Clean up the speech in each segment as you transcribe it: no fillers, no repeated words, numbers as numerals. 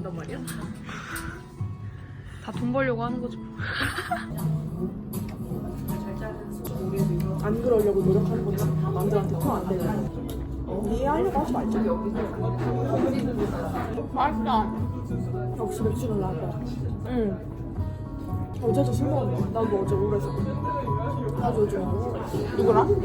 있단 말이야? 다 돈 벌려고 하는 거죠. 안 그러려고 노력하는 거지. 남들한테 통안 되는. 이해하려고 하지 말자. 맛있다. 역시 맥주는 나고. 응. 어제도 술 먹었네. 나도 어제 오래서. 나도 요즘 누구랑?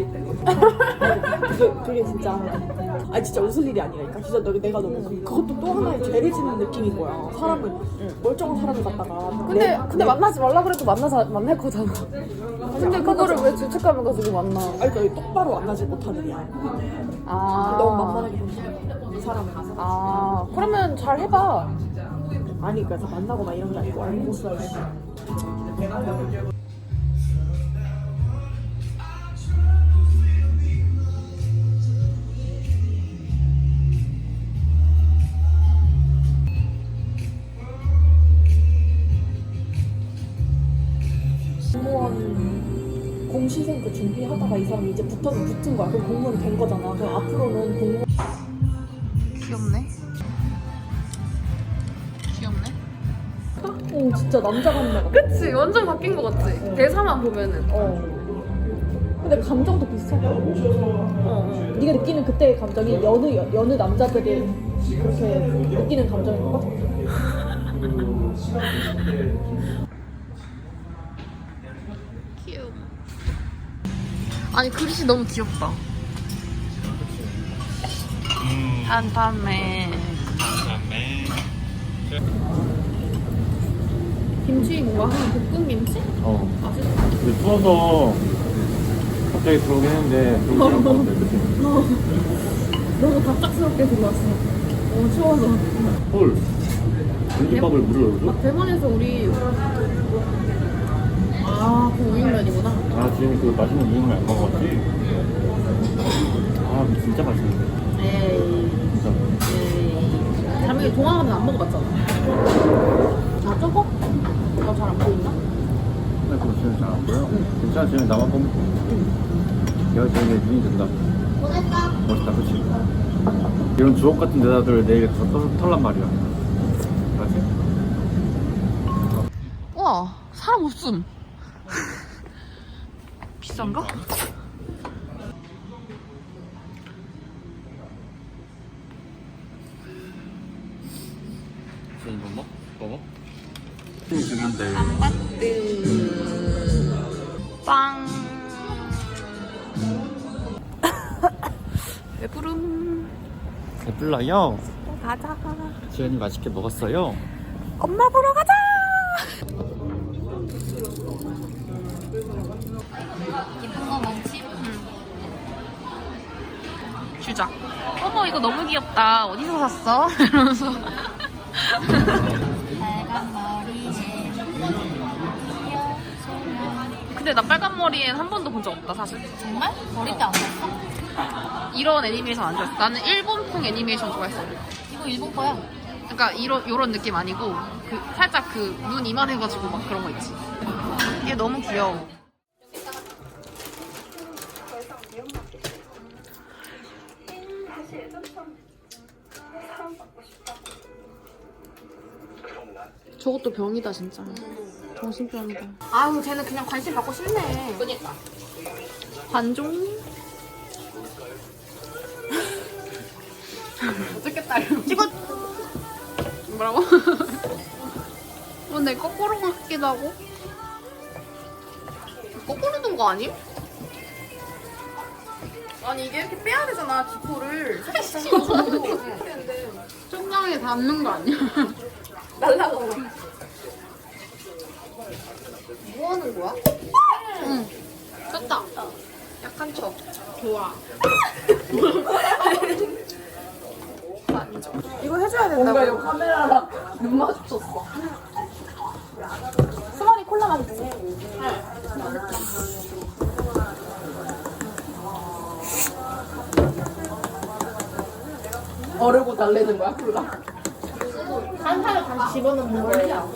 그게 진짜 진짜 웃을 일이 아니라니까. 진짜 내가 너무 그것도 또 하나의 죄를 짓는 느낌인 거야. 사람을 멀쩡한 사람을 갖다가 근데 만나지 말라 그래도 만날 거잖아. 근데 그거를 왜 죄책감을 가지고 만나? 그러니까 똑바로 만나지 못하는 이야. 너무 만만하게 본다. 사람을. 그러면 잘 해봐. 아니 그러니까 만나거나 이런 게 아니고 알고 있어야지. 공무원 공시생 그 준비하다가 이 사람이 이제 붙은 거야. 그럼 공무원이 된 거잖아. 그럼 앞으로는 공무원. 귀엽네. 귀엽네. 진짜 남자 같네. 그치? 완전 바뀐 거 같지? 대사만 보면은. 근데 감정도 비슷하고. 네가 느끼는 그때의 감정이 여느 남자들이 그렇게 느끼는 감정인 것 같아. 귀여워. 아니 그릇이 너무 귀엽다. 한밤에 김치 뭔가 하는 볶음 김치? 근데 추워서 갑자기 들어오긴 했는데 들어오긴 했는데 그치? 너무 갑작스럽게 들어왔어. 너무 추워서. 헐 공깃밥을 물을 넣어줘? 대만에서 우리 그 우육면이구나. 지금 그 맛있는 우육면 안 먹어봤지? 이거 진짜 맛있는데 에이. 진짜 자명이 동화는 안 먹어봤잖아. 저거? 너 잘 안 보이나? 근데 그거 지금 잘 안 보여? 괜찮아 지금 나만 보면 내가 지금 내 눈이 된다 멋있다 그치? 이런 주옥 같은 대사들 내일 더 털란 말이야 알았지? 우와 사람 없음. 비싼가? 이거 먹어? 중인데 빵. 배부름. 배불러요? 가자. 지연이 맛있게 먹었어요? 엄마 보러 가자. 예쁜 거 많지? 주자. 어머 이거 너무 귀엽다. 어디서 샀어? 이러면서. 빨간 머리에 귀여워. 근데 나 빨간 머리엔 한 번도 본 적 없다 사실. 정말? 어릴 때 안 봤어? 이런 애니메이션 안 좋아했어. 나는 일본풍 애니메이션 좋아했어. 이거 일본 거야. 그러니까 이런 느낌 아니고 살짝 눈 이만해가지고 막 그런 거 있지. 이게 너무 귀여워. 저것도 병이다 진짜. 정신병이다. 아유, 쟤는 그냥 관심 받고 싶네. 그니까. 관종? 어떻겠다. 찍어. 뭐라고? 내 거꾸로 같기도 하고. 거꾸로 둔 거 아님? 아니, 이게 이렇게 빼야 되잖아, 기포를. 청량에 닿는 거 아니야? 날라가. 뭐 하는 거야? 응. 쳤다. 약한 척. 좋아. 이거 해줘야 된다고. 뭔가 이거 카메라랑 눈 마주쳤어. 수만이 콜라 맛있지? 어르고 달래는 거야 콜라. 한살을 다시 집어넣는 거야.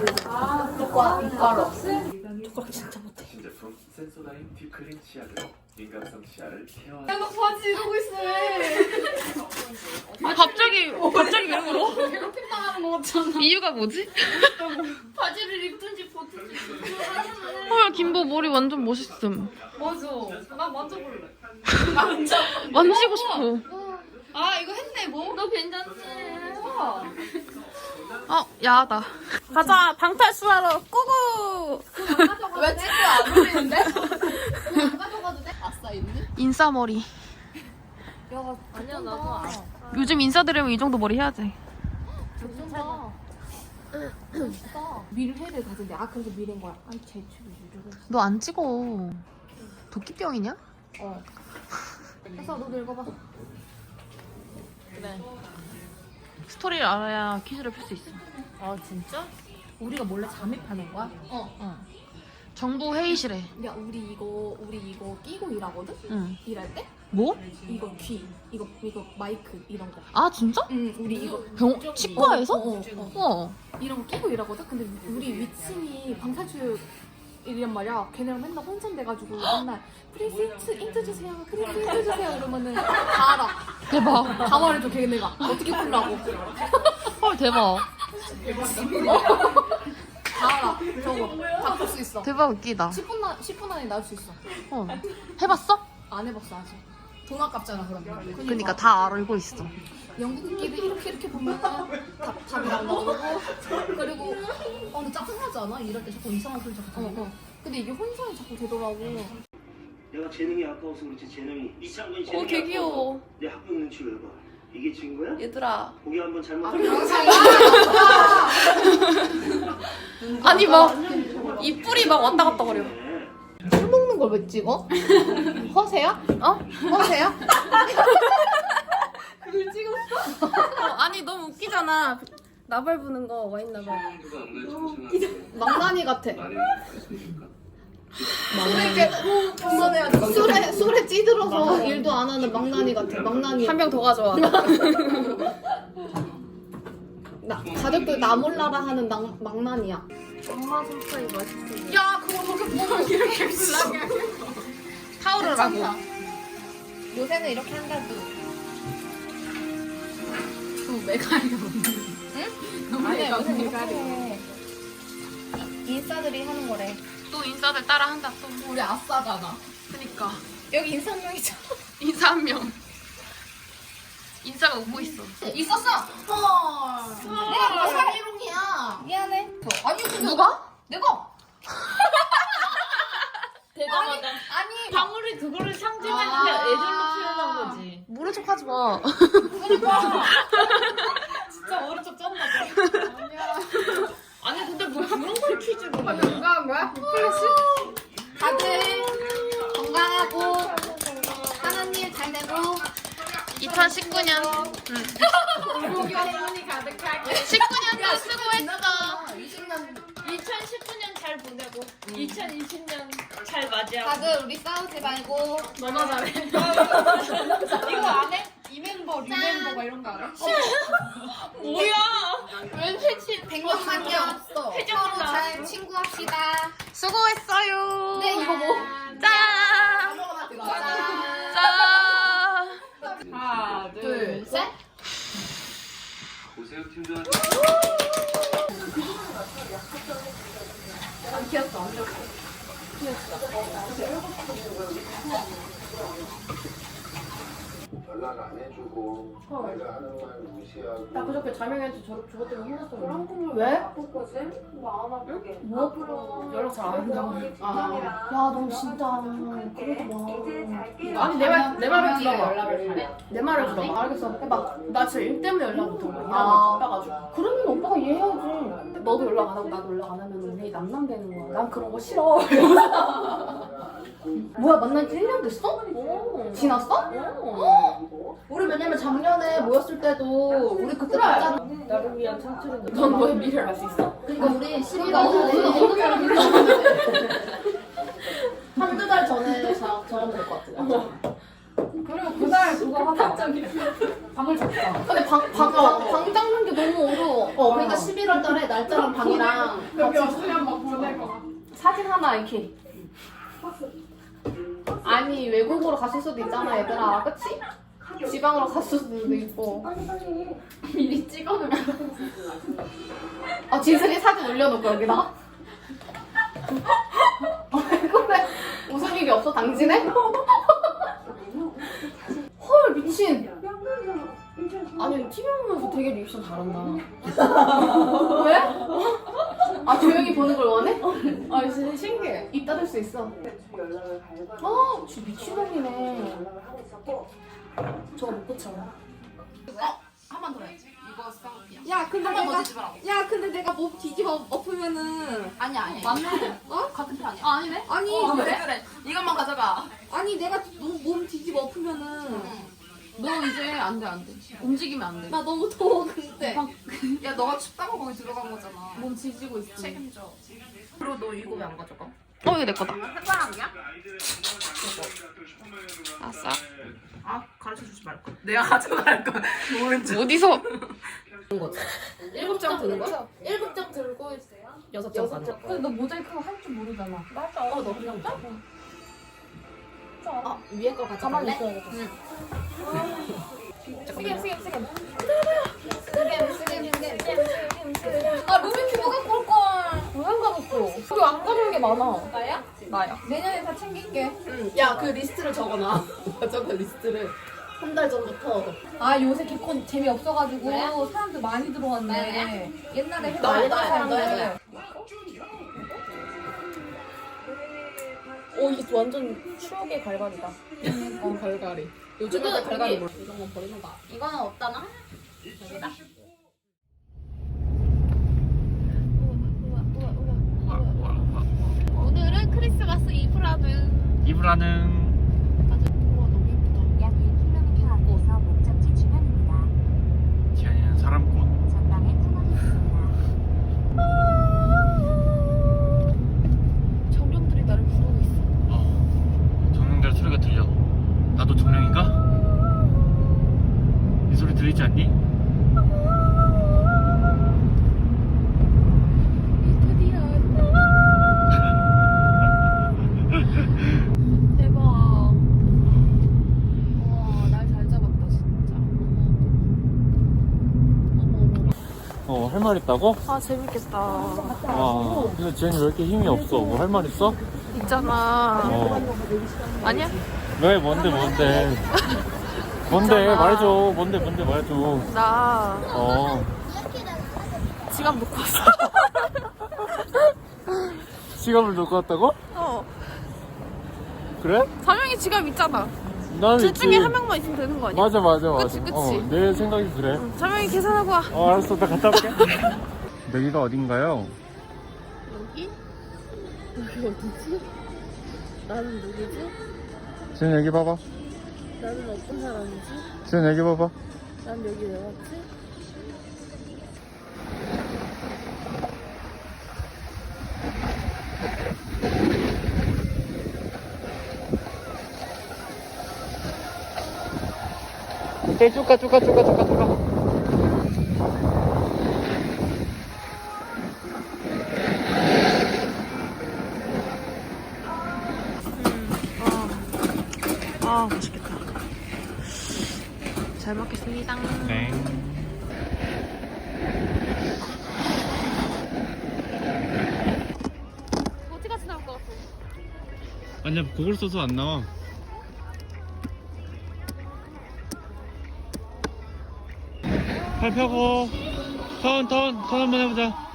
이과로. 젓가락 진짜 못해. 신제품 센소다인 딥클린 치약으로 민감성 치아를 케어하는 나 바지 이러고 있어. 갑자기 왜 울어? 당하는 거 같잖아. 이유가 뭐지? 바지를 입든지 벗든지. 헐 김보 머리 완전 멋있음. 맞아. 나 만져볼래. 만지고 싶어. 아 이거 했네 뭐? 너 괜찮지? 야하다. 가자 방탈수하러 꾸구. 왜 찍고 안 올리는데? 안 가져가도 돼? 아싸 있네? 인싸머리. 아니야 나도 알아. 요즘 인싸들이면 이 정도 머리 해야지. 밀회를 가진대. 아 그래서 밀인 거야. 아니 제출이 유료를. 너 안 찍어. 도끼병이냐? 해서 너도 읽어봐. 스토리를 알아야 퀴즈를 풀 수 있어. 아 진짜? 우리가 몰래 잠입하는 거야? 정부 회의실에. 야 우리 이거 끼고 일하거든? 응. 일할 때? 뭐? 이거 귀, 이거 마이크 이런 거. 아 진짜? 응 우리 이거 치과에서? 이런 거 끼고 일하거든? 근데 우리 위층이 방탈출 이란 말이야. 걔네랑 맨날 혼선돼가지고 맨날 프리스 인트 주세요. 프리스 인트 주세요. 이러면은 다 알아. 대박. 다 말해줘 걔네가. 어떻게 풀라고. 헐 대박. 다 알아. 저거 다 풀 수 있어. 대박 웃기다. 10분 안에 나올 수 있어. 해봤어? 안 해봤어 아직. 돈 아깝잖아 그러면. 그러니까 다 알고 있어. 영국끼리 이렇게 보면은 답이랑 나오고 그리고 근데 짜증나지 않아? 일할 때 자꾸 이상한 소리 자꾸 들리고 근데 이게 혼선이 자꾸 되더라고. 내가 재능이 아까워서 그렇지 재능이 이창근 재능이 개 귀여워. 아까워서 내 학교 눈치 왜 봐? 이게 친구야? 얘들아. 보기 한번 잘못 아니 막 입술이 막 왔다 갔다 거려. 술 먹는 걸 왜 찍어? 허세야? 허세야? 아니 너무 웃기잖아. 나발 부는 거 와인 나발. 망나니 같아. 술에 찌들어서 일도 안 하는 망나니 같아. 망나니. 한 병 더 가져와. 가족들 나 몰라라 하는 망나니야. 엄마 손파이 맛있어. 야 그거 저렇게 보면 이렇게 불나게. 타오르라고. 요새는 이렇게 한다고. 아니야 요새는 이렇게 하래. 인싸들이 하는 거래. 또 인싸들 따라 한다 또. 우리 아싸잖아. 그니까. 여기 인싸 한 명 있잖아. 인싸 한 명. 인싸가 웃고 있어. 있었어. 내가 뭐 사기롱이야. 미안해. 아니 근데 누가? 내가. 아니 방울이 그거를 상징했는데 애절로 표현한 거지. 모른 척 하지 마. 진짜 어른 척 짠다. 아니 근데 뭐 그런 걸 퀴즈로 해. 누가 한 거야? 다들 건강하고 하나님 잘 되고 2019년. 19년도 수고했어. 2019년 잘 보내고 2020년 잘 맞이하고. 다들 우리 싸우지 말고 너나 잘해. 이거 안 해? 이멤버 리멤버 막 이런 거 알아? 뭐야? 웬 회치? 100년 만년 없어. 서로 잘 친구합시다. 수고했어요. 네 이거 뭐? 짠. 짠. 짠. 하나, 둘, 셋. 보세요 팀장. 연락 안 해주고 내가 하는 말 무시하고 나 그저께 자명이한테 저것 때문에 혼났어. 왜? 뭐? 연락 잘 안 한다고. 야, 너 진짜 그러지 마. 아니 내 말을 들어봐. 내 말을 들어봐. 알겠어. 해봐. 나 진짜 일 때문에 연락 못 한 거야. 바빠가지고. 그러면 오빠가 이해해야지. 너도 연락 안 하고 나도 연락 안 하면 우리 남남되는 거야. 난 그런 거 싫어. 뭐야, 만난 지 1년 됐어? 지났어? 우리 왜냐면 작년에 모였을 때도 우리 그때 봤잖아. 나를 위한 창출인데 넌 너의 미래를 알 수 있어? 그러니까 우리 11월 한두 달 전에 정하면 될 것 같아. 그리고 그날 그거 하자. 방을 잡자. 근데 방 잡는 게 너무 어려워. 그러니까 11월 달에 날짜랑 방이랑 여기 없으면 막 보내고. 사진 하나 이렇게. 아니 외국으로 가실 수도 있잖아 얘들아. 그치? 지방으로 갔을 수도 있고. 미리 찍어놓으면. 아, 진슬이 사진 올려놓고 여기다. 그래. 웃을 일이 없어, 당신에? 헐, 미친. 아니, TV 보면서 되게 리액션 잘한다. 왜? 아, 조용히 보는 걸 원해? 아, 진짜 신기해. 입 닫을 수 있어. 아, 진짜 미친놈이네. 저거 못 고쳐. 한 번 더 해. 이거 쌍피야. 야 근데 한번 더 내가 뒤집어라고. 야 근데 내가 몸 뒤집어 엎으면은 아니야. 맞네. 어? 같은 편 아니야. 아, 아니네. 아니 그래. 이것만 가져가. 아니 내가 몸 뒤집어 엎으면은 너 이제 안돼 움직이면 안 돼. 나 너무 더워, 근데. 야 너가 춥다고 거기 들어간 거잖아. 몸 지지고 있어. 책임져. 그리고 너 이거 왜 안 가져가? 이거 내 거다. 햇바람이야? 아싸. 아, 가르쳐주지 말걸. 내가 가져갈 걸. 어디서? 7장 드는 거야? 7장 들고 6장 가는 거. 근데 너 모자이크 할 줄 모르잖아. 맞아. 너 그냥 짜? 아, 위에 거 가만히 가져갈래? 있어야겠다. 아, 루비 큐브 갖고 올 걸. 왜 안 가졌어? 우리 안 가져온 게 많아. 나야? 나야. 내년에 다 챙길게. 야, 그 리스트를 적어놔. 적어 리스트를. 한 달 전부터. 아 요새 개콘 재미없어가지고 왜? 사람들 많이 들어왔네. 네. 옛날에 너야, 했던 너야, 사람들. 너야. 오, 이게 완전 추억의 갈갈이다. 갈갈이. 요즘 애들 갈갈이 몰라. 이런 거 버리는 거. 이거는 없다나? 여기다. 오늘은 크리스마스 이브라는 이브라는 약 1km 앞에서 목적지 주변입니다. 지안이는 사람꽃. 전방에 터널이 있습니다. 정령들이 나를 부르고 있어. 정령들 소리가 들려. 나도 정령인가? 이 소리 들리지 않니? 대박. 와, 날 잘 잡았다 진짜. 할 말 있다고? 아 재밌겠다. 와, 근데 지안이 왜 이렇게 힘이 없어? 뭐 할 말 있어? 있잖아. 아니야? 왜? 뭔데? 뭔데 말해줘. 뭔데 말해줘. 나 어. 지갑 놓고 왔어. 지갑을 놓고 왔다고? 그래? 3명이 지갑 있잖아. 난 둘 있지. 중에 한 명만 있으면 되는 거 아니야? 맞아. 그치. 내 생각이 그래. 3명이 계산하고 와. 알았어. 나 갔다 올게. 여기가 어딘가요? 여기? 나는 누구지? 지금 여기 봐봐. 나는 어떤 사람이지? 지금 여기 봐봐. 난 여기 왜 왔지? 오케이, 쭉 가. 아 맛있겠다. 잘 먹겠습니다. 네. 어디까지 나올 것 같아? 아니야, 그걸 써서 안 나와. 팔 펴고 턴 한번 해보자.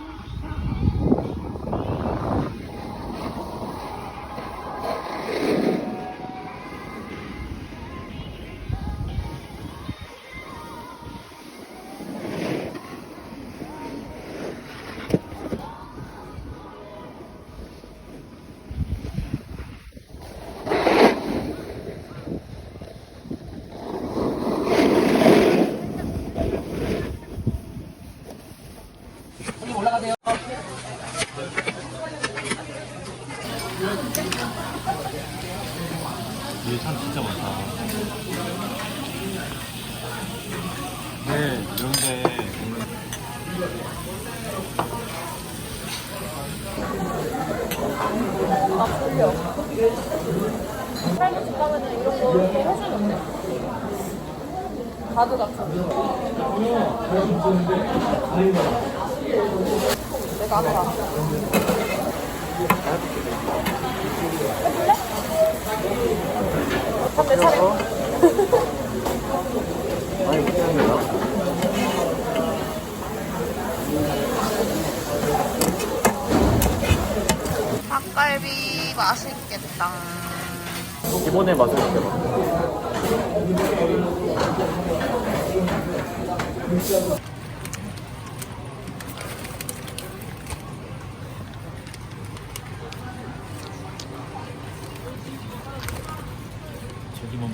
여기 사람 진짜 많다. 네, 이런데 할아버지 가면은 이런 거 해주는데. 가드 같은 내가 아까 내 차례. 아니 못하는 거야? 닭갈비 맛있겠다. 기본의 맛을 느껴봐. 저기 먹는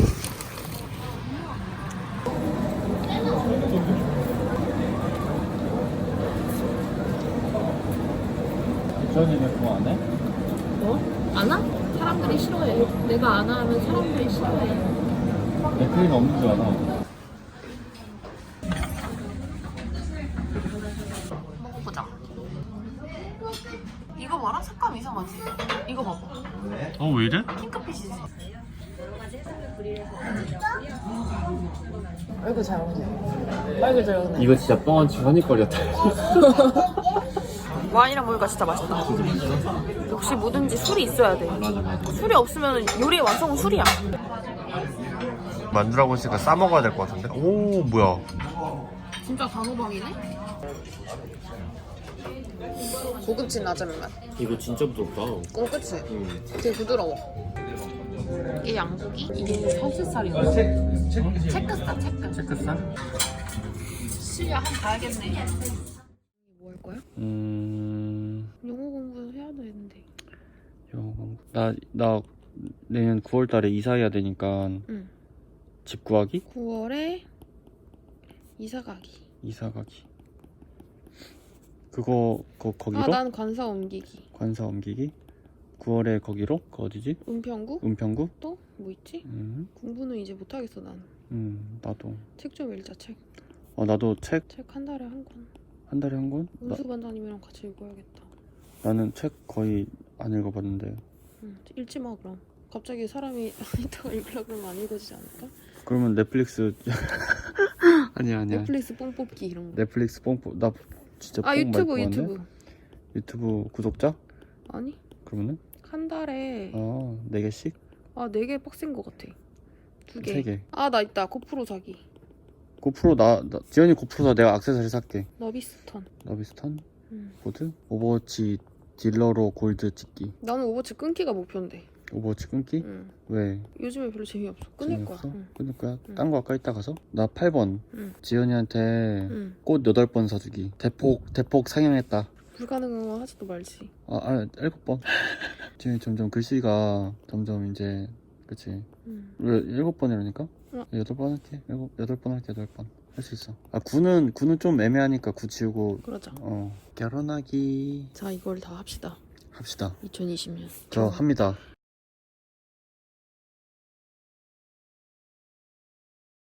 주연이는 그거 안 해? 안 와? 사람들이 싫어해. 내가 안 하면 사람들이 싫어해. 내 크림 없는 줄 알아. 먹어보자. 이거 봐라? 색감 이상하지? 이거 봐봐. 왜 이래? 핑크빛이지? 얼굴 잘 먹네. 얼굴 잘 먹네. 이거 진짜 뻥한치 허니거리였다. 와인이랑 먹으니까 진짜 맛있다. 역시 뭐든지 술이 있어야 돼. 술이 없으면 요리의 완성은 술이야. 만두라고 했으니까 싸 먹어야 될 것 같은데? 오 뭐야? 진짜 단호박이네? 고급진 라자면 맛. 이거 진짜 부드럽다. 그치? 되게 부드러워. 이게 양고기? 이게 서울살이야. 체크살, 체크. 체크살? 실력 한번 가야겠네. 뭐 할 거야? 영어 공부해야 되는데. 나 내년 9월달에 이사해야 되니까 응. 집 구하기? 9월에 이사 가기. 이사 가기. 그거 거기로? 아, 난 관사 옮기기. 관사 옮기기? 9월에 거기로? 그 어디지? 은평구? 은평구? 또? 뭐 있지? 공부는 이제 못하겠어, 난. 나도. 책 좀 읽자, 책. 나도 책 책 한 달에 한 권. 한 달에 한 권? 은수 반장님이랑 같이 읽어야겠다. 나는 책 거의 안 읽어봤는데. 응, 읽지 마, 그럼. 갑자기 사람이 이따가 읽으려고 그러면 안 읽어지지 않을까? 그러면 넷플릭스 아니야. 넷플릭스 뽕 뽑기 이런 거. 넷플릭스 나 진짜 아, 뽕 유튜브, 많이 뽑았네? 유튜브. 유튜브 구독자? 아니, 그러면은? 한 달에 4개씩? 4개 빡센 거 같아. 2개. 3개. 아, 나 있다. 고프로 사기. 고프로 지연이 고프로 사. 내가 액세서리 살게. 너비스턴. 너비스턴? 응. 보드? 오버워치 딜러로 골드 찍기. 나는 오버워치 끊기가 목표인데. 오버워치 끊기? 응. 왜? 요즘에 별로 재미없어. 끊을 거야. 재미없어? 응. 끊을 거야? 응. 딴 거 아까 이따 가서? 나 8번. 응. 지연이한테 응. 꽃 8번 사주기. 대폭 상향했다. 불가능한 거 하지도 말지. 7번. 지금 점점 글씨가 점점 이제 그치. 응. 왜 7번이라니까? 8번 할게. 8번 할게. 8번. 할 수 있어. 9는 좀 애매하니까 9 지우고. 그러자. 결혼하기. 자, 이걸 다 합시다. 합시다. 2020년. 저 합니다.